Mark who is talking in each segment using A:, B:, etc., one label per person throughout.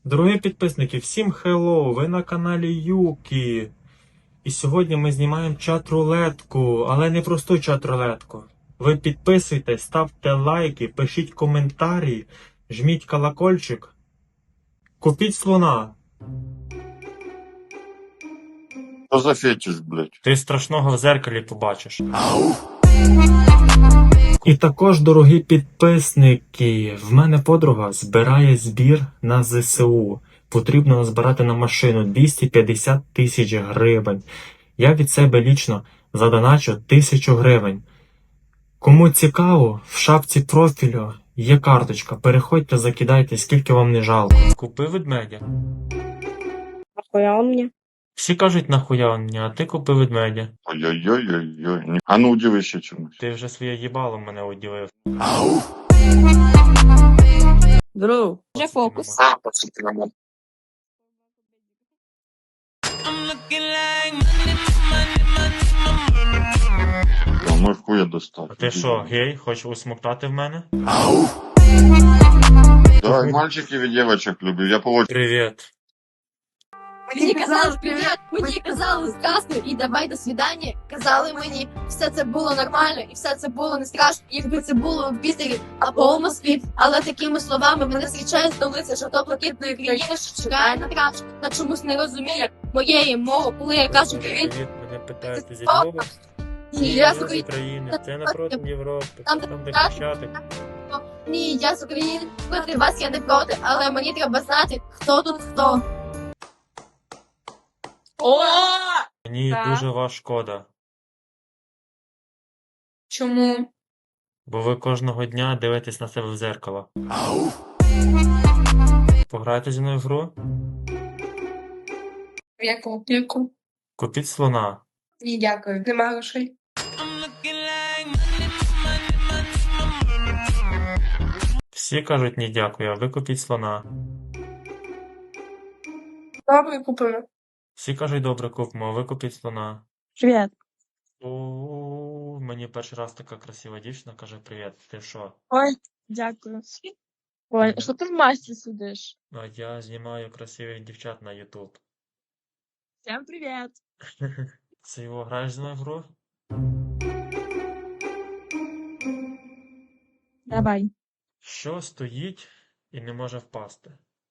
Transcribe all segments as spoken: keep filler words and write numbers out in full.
A: Дорогі підписники, всім хеллоу! Ви на каналі Юкі. І сьогодні ми знімаємо чат-рулетку, але не просту чат-рулетку. Ви підписуйтесь, ставте лайки, пишіть коментарі, жміть колокольчик. Купіть слона.
B: Що за фетиш, блядь?
A: Ти страшного в зеркалі побачиш. І також, дорогі підписники, в мене подруга збирає збір на зе се у. Потрібно назбирати на машину двісті п'ятдесят тисяч гривень. Я від себе лічно задоначу тисячу гривень. Кому цікаво, в шапці профілю є карточка. Переходьте, закидайте, скільки вам не жалко. Купи ведмедя.
C: Нахуя он мне?
A: Всі кажуть нахуя он мені, а ти купи ведмедя.
B: Ой-ой-ой-ой-ой. А ну удиви ще чомусь.
A: Ти вже своє їбало мене уділив.
C: Друг. Вже фокус.
B: А мой хуя достав.
A: А ти що, гей, хочеш усмоктати в мене?
B: Давай, мальчиків і дівчаток люблю. Я по очереді.
A: Привіт.
D: Мені казали привіт, мені казали здравствуй і давай до свидання. Казали мені, все це було нормально і все це було не страшно, якби це було в Пітері або у Москві. Але такими словами мене зустрічає столиця жовто-блакитної країни, що чекає на траш. Та чомусь не розуміє моєї мови, коли я кажу привіт.
A: Привіт, мене питають, ти зі Львова?
D: Ні, я з
A: з
D: України.
A: України. Це напроти Європи.
D: Там
A: Там де
D: так.
A: Хрещатик.
D: Ні, я з України. Проти вас я не проти, але мені треба знати, хто тут хто.
C: О!
A: Мені
C: Так.
A: дуже вас шкода.
C: Чому?
A: Бо ви кожного дня дивитесь на себе в зеркало. Пограйте зі мною в гру?
C: Яку? Яку?
A: Купіть слона.
C: Ні, дякую. Нема грошей.
A: Всі кажуть ні дякую, а ви купіть слона.
C: Добре, купимо.
A: Всі кажуть добре купимо, а ви купіть слона.
C: Привіт.
A: О, мені перший раз така красива дівчина каже привіт. Ти що?
E: Ой, дякую. Ой, що ти в масці сидиш?
A: А я знімаю красивих дівчат на ютуб.
E: Всем привіт.
A: Це його граєш зі мною в гру?
E: Давай.
A: Що стоїть і не може впасти?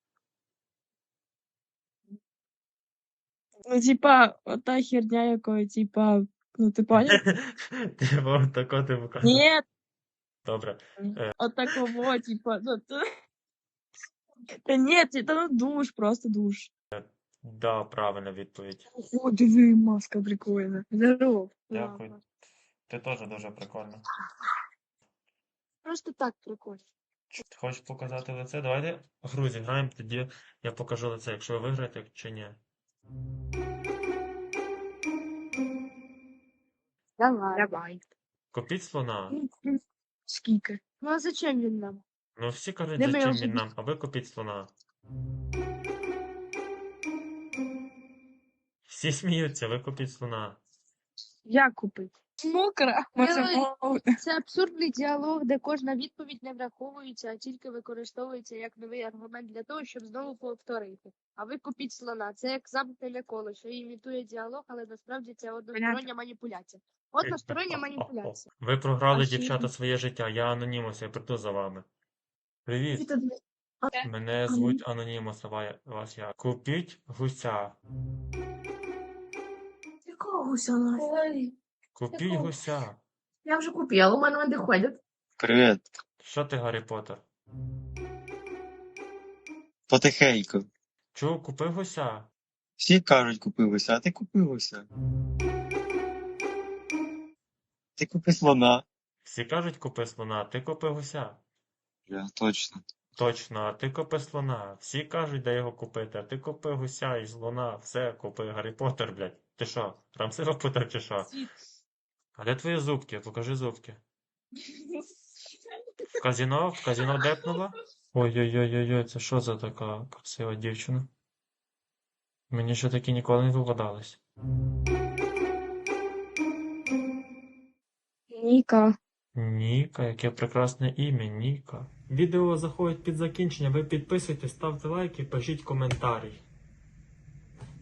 E: Ну, типа, ота херня якої, типа, ну ти понял?
A: Ти мав тако ти показав.
E: Ні,
A: Добре.
E: отакого, типа, ну ти... Та ні, це та ну душ, просто душ.
A: Да, правильна відповідь.
E: О, диви, маска прикольна. Здоров.
A: Дякую.
E: Ладно.
A: Ти теж дуже прикольна.
E: Просто так прикольно.
A: Ти хочеш показати лице? Давайте гру зіграємо, тоді я покажу лице, якщо ви виграєте чи ні.
E: Давай. Давай.
A: Купіть слона.
E: Скільки? Ну а зачем він нам?
A: Ну всі кажуть,
E: Не
A: зачем
E: вижу.
A: він нам, а ви купіть слона. Всі сміються, ви купіть слона.
E: Як купити? Мокра.
F: Це абсурдний діалог, де кожна відповідь не враховується, а тільки використовується як новий аргумент для того, щоб знову повторити. А ви купіть слона. Це як замкнене коло, що імітує діалог, але насправді це одностороння маніпуляція. Одностороння маніпуляція.
A: Ви програли,
F: А ще-
A: дівчата, своє життя. Я Анонімус, я прийду за вами. Привіт. Мене звуть Анонімус, а ва- вас я. Купіть гуся.
D: Якого гуся?
A: Купіть
D: Якого?
A: гуся.
D: Я вже купила, у мене вони ходять.
B: Привіт.
A: Що ти, Гаррі Поттер?
B: Потихеньку.
A: Чув, купи гуся.
B: Всі кажуть купилося, а ти купилося. Ти купи слона.
A: Всі кажуть, купи слона, а ти купи гуся.
B: Я точно.
A: Точно, а ти купи слона. Всі кажуть, де його купити, а ти купи гуся і слона. Все, купи Гаррі Поттер, блядь. Ти що, Рамсива Поттер чи що? А де твої зубки? Покажи зубки. В казино? В казино депнула? Ой-ой-ой-ой, це що за така красива дівчина? Мені ще такі ніколи не випадались.
F: Ніка.
A: Ніка, яке прекрасне ім'я, Ніка. Відео заходить під закінчення, ви підписуйтесь, ставте лайки, пишіть коментарі.